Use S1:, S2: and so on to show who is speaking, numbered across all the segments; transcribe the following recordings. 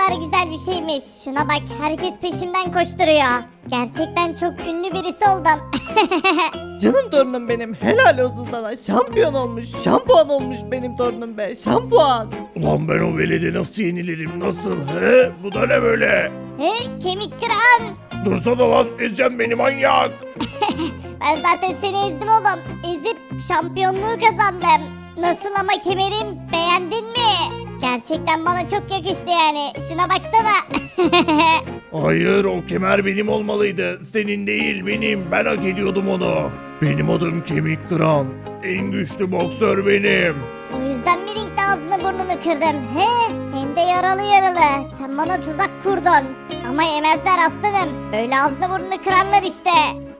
S1: kadar güzel bir şeymiş. Şuna bak, herkes peşimden koşturuyor. Gerçekten çok ünlü birisi oldum.
S2: Canım torunum benim, helal olsun sana. Şampiyon olmuş, şampuan olmuş benim torunum be, şampuan.
S3: Ulan ben o veledi nasıl yenilirim nasıl he? Bu da ne böyle?
S1: He, kemik kıran.
S3: Dursana lan ezeceğim beni manyak.
S1: Ben zaten seni ezdim oğlum. Ezip şampiyonluğu kazandım. Nasıl ama kemerim, beğendin mi? Gerçekten bana çok yakıştı yani. Şuna baksana.
S3: Hayır o kemer benim olmalıydı. Senin değil benim. Ben hak ediyordum onu. Benim adım Kemik Kıran. En güçlü boksör benim.
S1: O yüzden mi ringde ağzını burnunu kırdım? He? Hem de yaralı yaralı. Sen bana tuzak kurdun. Ama yemezler aslanım. Böyle ağzını burnunu kıranlar işte.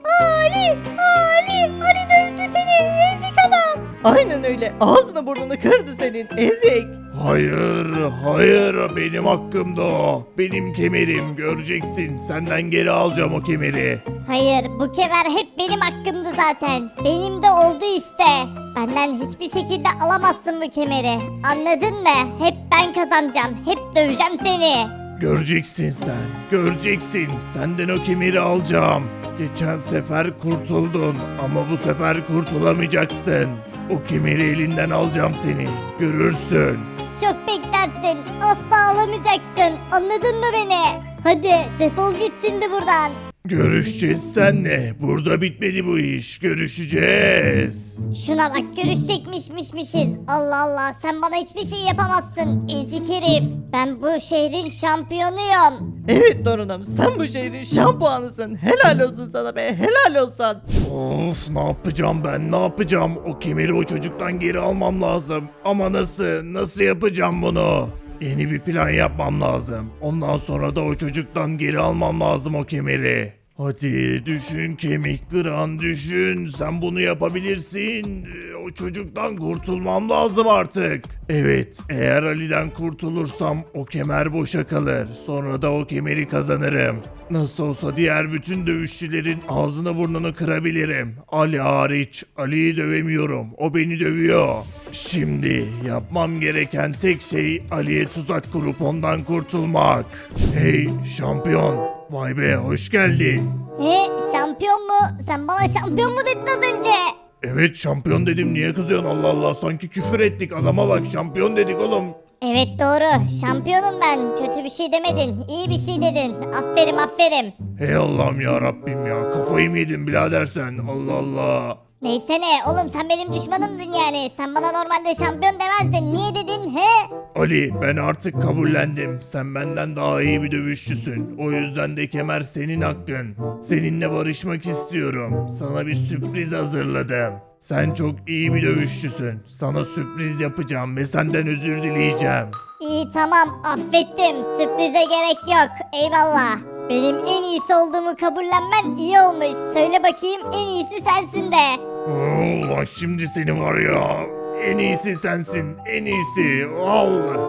S1: Ali dövdü seni ezik adam.
S2: Aynen öyle, ağzını burnunu kırdı senin, ezik.
S3: Hayır, hayır benim hakkımda o. Benim kemerim göreceksin. Senden geri alacağım o kemeri.
S1: Hayır, bu kemer hep benim hakkımdı zaten. Benim de oldu işte. Benden hiçbir şekilde alamazsın bu kemeri. Anladın mı? Hep ben kazanacağım. Hep döveceğim seni.
S3: Göreceksin sen, göreceksin. Senden o kemeri alacağım. Geçen sefer kurtuldun ama bu sefer kurtulamayacaksın. O kemeri elinden alacağım senin. Görürsün.
S1: Çok beklersin. Asla alamayacaksın. Anladın mı beni? Hadi defol git şimdi buradan.
S3: Görüşeceğiz seninle. Burada bitmedi bu iş. Görüşeceğiz.
S1: Şuna bak, görüşecekmişmişmişiz. Allah Allah, sen bana hiçbir şey yapamazsın ezik herif. Ben bu şehrin şampiyonuyum.
S2: Evet torunum, sen bu şehrin şampuanısın. Helal olsun sana be, helal olsun.
S3: Of ne yapacağım ben ne yapacağım? O kemeri o çocuktan geri almam lazım. Ama nasıl? Nasıl yapacağım bunu? Yeni bir plan yapmam lazım. Ondan sonra da o çocuktan geri almam lazım o kemeri. Hadi düşün Kemik Kıran düşün. Sen bunu yapabilirsin. O çocuktan kurtulmam lazım artık. Evet eğer Ali'den kurtulursam o kemer boşa kalır. Sonra da o kemeri kazanırım. Nasıl olsa diğer bütün dövüşçülerin ağzını burnunu kırabilirim. Ali hariç. Ali'yi dövemiyorum. O beni dövüyor. Şimdi yapmam gereken tek şey Ali'ye tuzak kurup ondan kurtulmak. Hey şampiyon. Vay be hoş geldin.
S1: Şampiyon mu? Sen bana şampiyon mu dedin az önce?
S3: Evet şampiyon dedim niye kızıyorsun Allah Allah sanki küfür ettik adama bak şampiyon dedik oğlum.
S1: Evet doğru. Şampiyonum ben. Kötü bir şey demedin. İyi bir şey dedin. Aferin aferin.
S3: Hey Allah'ım ya Rabbim ya kafayı mı yedin birader sen Allah Allah.
S1: Neyse ne oğlum, sen benim düşmanımdın yani. Sen bana normalde şampiyon demezdin. Niye dedin he?
S3: Ali ben artık kabullendim. Sen benden daha iyi bir dövüşçüsün. O yüzden de kemer senin hakkın. Seninle barışmak istiyorum. Sana bir sürpriz hazırladım. Sen çok iyi bir dövüşçüsün. Sana sürpriz yapacağım ve senden özür dileyeceğim.
S1: İyi tamam, affettim. Sürprize gerek yok. Eyvallah. Benim en iyisi olduğumu kabullenmen iyi olmuş. Söyle bakayım, en iyisi sensin de.
S3: Allah şimdi seni var ya. En iyisi sensin. En iyisi. Allah.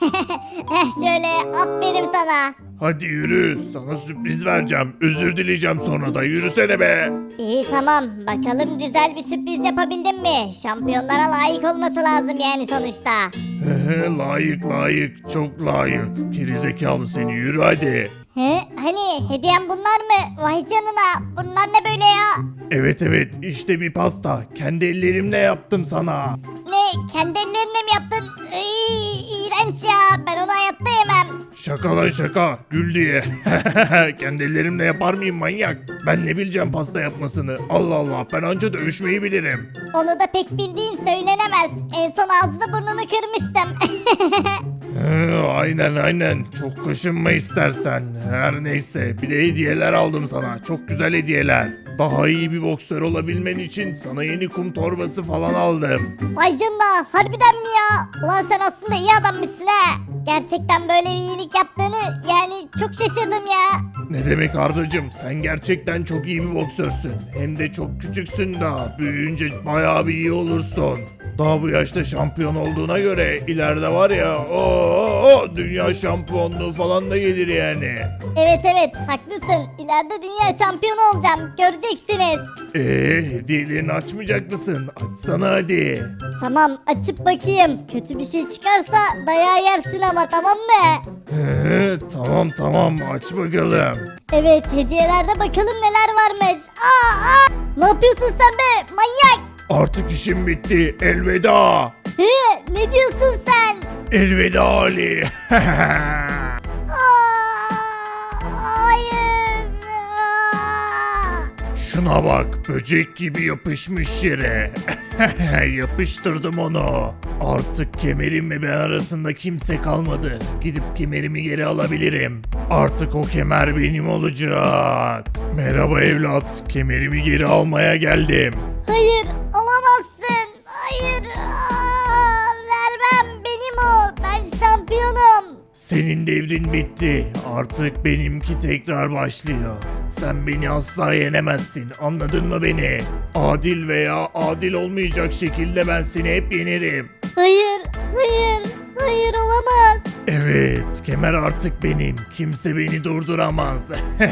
S1: Şöyle aferin sana.
S3: Hadi yürü. Sana sürpriz vereceğim. Özür dileyeceğim sonra da. Yürüsene be.
S1: İyi tamam, bakalım güzel bir sürpriz yapabildim mi? Şampiyonlara layık olması lazım yani sonuçta.
S3: Layık layık. Çok layık. Gerizekalı seni. Yürü hadi.
S1: Hani hediyem bunlar mı? Vay canına, bunlar ne böyle ya?
S3: Evet evet işte bir pasta. Kendi ellerimle yaptım sana.
S1: Ne, kendi ellerinle mi yaptın? İğrenç ya, ben onu hayatta yemem.
S3: Şaka lan şaka. Gül diye. Kendi ellerimle yapar mıyım manyak? Ben ne bileceğim pasta yapmasını. Allah Allah ben anca dövüşmeyi bilirim.
S1: Onu da pek bildiğin söylenemez. En son ağzını burnunu kırmıştım.
S3: Aynen aynen. Çok kaşınma istersen. Her neyse. Bir de hediyeler aldım sana. Çok güzel hediyeler. Daha iyi bir boksör olabilmen için sana yeni kum torbası falan aldım.
S1: Vay canına, harbiden mi ya? Ulan sen aslında iyi adammışsın ha. Gerçekten böyle bir iyilik yaptığını yani çok şaşırdım ya.
S3: Ne demek Ardacığım? Sen gerçekten çok iyi bir boksörsün. Hem de çok küçüksün daha. Büyüyünce bayağı bir iyi olursun. Daha bu yaşta şampiyon olduğuna göre ileride var ya o dünya şampiyonluğu falan da gelir yani.
S1: Evet evet haklısın. İleride dünya şampiyonu olacağım. Göreceksiniz.
S3: Hediyelerini açmayacak mısın? Açsana hadi.
S1: Tamam açıp bakayım. Kötü bir şey çıkarsa dayağı yersin ama tamam mı?
S3: Tamam aç bakalım.
S1: Evet hediyelerde bakalım neler varmış. Aa! Ne yapıyorsun sen be manyak?
S3: Artık işim bitti. Elveda.
S1: Ne diyorsun sen?
S3: Elveda Ali.
S1: Hayır.
S3: Şuna bak, böcek gibi yapışmış yere. Yapıştırdım onu. Artık kemerimle ben arasında kimse kalmadı. Gidip kemerimi geri alabilirim. Artık o kemer benim olacak. Merhaba evlat, kemerimi geri almaya geldim.
S1: Hayır alamazsın. Hayır. Vermem benim o. Ben şampiyonum.
S3: Senin devrin bitti. Artık benimki tekrar başlıyor. Sen beni asla yenemezsin. Anladın mı beni? Adil veya adil olmayacak şekilde ben seni hep yenerim.
S1: Hayır. Hayır olamaz.
S3: Evet, kemer artık benim. Kimse beni durduramaz.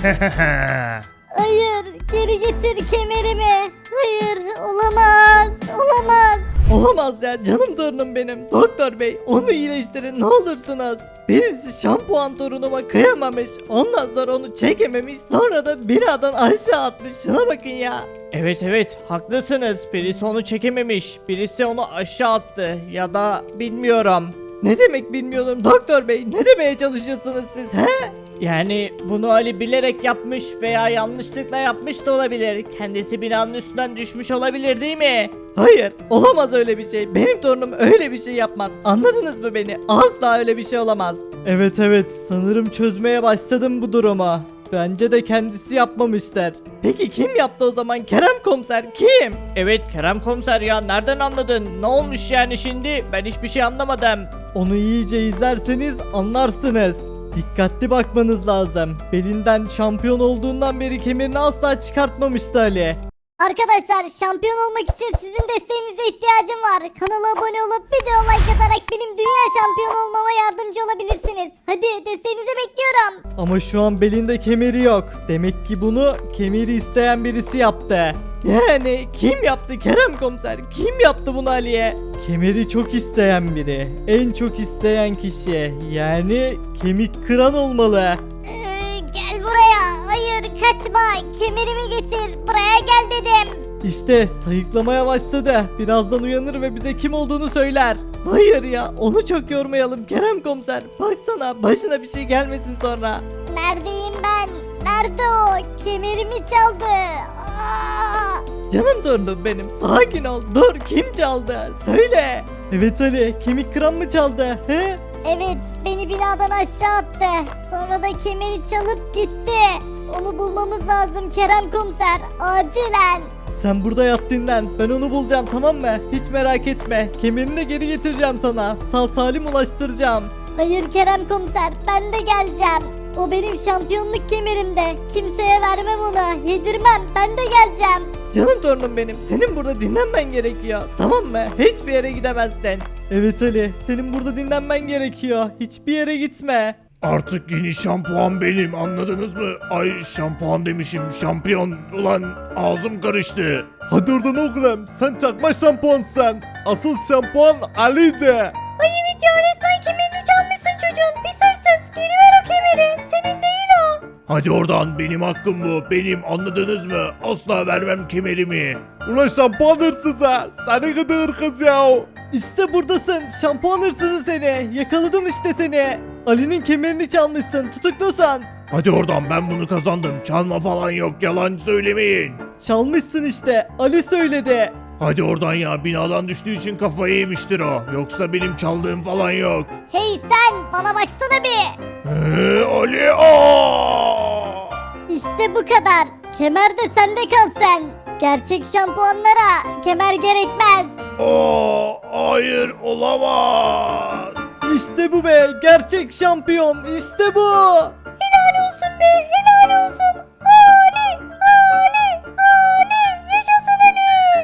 S1: Hayır geri getir kemerimi. Hayır olamaz.
S2: Olamaz ya canım torunum benim. Doktor bey onu iyileştirin ne olursunuz. Birisi şampuan torunuma kıyamamış. Ondan sonra onu çekememiş. Sonra da binadan aşağı atmış. Şuna bakın ya.
S4: Evet haklısınız. Birisi onu çekememiş. Birisi onu aşağı attı. Ya da bilmiyorum.
S2: Ne demek bilmiyorum doktor bey. Ne demeye çalışıyorsunuz siz he?
S4: Yani bunu Ali bilerek yapmış veya yanlışlıkla yapmış da olabilir. Kendisi binanın üstünden düşmüş olabilir değil mi?
S2: Hayır olamaz öyle bir şey. Benim torunum öyle bir şey yapmaz. Anladınız mı beni? Asla öyle bir şey olamaz. Evet sanırım çözmeye başladım bu durumu. Bence de kendisi yapmamışlar. Peki kim yaptı o zaman Kerem komiser kim?
S4: Evet Kerem komiser ya nereden anladın? Ne olmuş yani şimdi? Ben hiçbir şey anlamadım.
S2: Onu iyice izlerseniz anlarsınız. Dikkatli bakmanız lazım. Belinden şampiyon olduğundan beri kemerini asla çıkartmamıştı Ali.
S1: Arkadaşlar şampiyon olmak için sizin desteğinize ihtiyacım var. Kanala abone olup video like atarak benim dünya şampiyonu olmama yardımcı olabilirsiniz. Hadi desteğinizi bekliyorum.
S2: Ama şu an belinde kemeri yok. Demek ki bunu kemeri isteyen birisi yaptı. Yani kim yaptı Kerem komiser? Kim yaptı bunu Ali'ye? Kemeri çok isteyen biri. En çok isteyen kişi. Yani kemik kıran olmalı.
S1: Gel buraya. Hayır kaçma. Kemerimi getir. Buraya gel dedim.
S2: İşte sayıklamaya başladı. Birazdan uyanır ve bize kim olduğunu söyler. Hayır ya onu çok yormayalım Kerem komiser. Baksana başına bir şey gelmesin sonra.
S1: Neredeyim ben? Nerede o? Kemerimi çaldı.
S2: Canım torunum benim sakin ol. Dur kim çaldı? Söyle. Evet Ali kemik kıran mı çaldı? He?
S1: Evet beni binadan aşağı attı. Sonra da kemeri çalıp gitti. Onu bulmamız lazım Kerem komiser. Acilen.
S2: Sen burada yat dinlen. Ben onu bulacağım tamam mı? Hiç merak etme. Kemerini de geri getireceğim sana. Sağ salim ulaştıracağım.
S1: Hayır Kerem komiser ben de geleceğim. O benim şampiyonluk kemerimde. Kimseye vermem onu. Yedirmem ben de geleceğim.
S2: Canım torunum benim. Senin burada dinlenmen gerekiyor. Tamam mı? Hiçbir yere gidemezsin. Evet Ali. Senin burada dinlenmen gerekiyor. Hiçbir yere gitme.
S3: Artık yeni şampuan benim, anladınız mı? Ay şampuan demişim, şampiyon. Ulan ağzım karıştı.
S5: Hadi oradan oğlum. Sen çakma şampuansın. Asıl şampuan Ali'di.
S1: Ay evet ya resmen kemerini çalmışsın çocuğun. Pis hırsız. Geri ver o kemeri. Senin değil o.
S3: Hadi oradan, benim hakkım bu, benim, anladınız mı? Asla vermem kemerimi.
S5: Ulan şampuan hırsızı. Seni gıdı kız ya.
S2: İşte buradasın. Şampuan hırsızı seni. Yakaladım işte seni. Ali'nin kemerini çalmışsın. Tutuklusun.
S3: Hadi oradan, ben bunu kazandım. Çalma falan yok, yalan söylemeyin.
S2: Çalmışsın işte. Ali söyledi.
S3: Hadi oradan ya, binadan düştüğü için kafayı yemiştir o. Yoksa benim çaldığım falan yok.
S1: Hey sen bana baksana bir.
S3: Ali aa!
S1: İşte bu kadar. Kemer de sende kalsın. Gerçek şampuanlara kemer gerekmez.
S3: Hayır, olamaz.
S2: İşte bu be. Gerçek şampiyon. İşte bu.
S1: Helal olsun be helal olsun.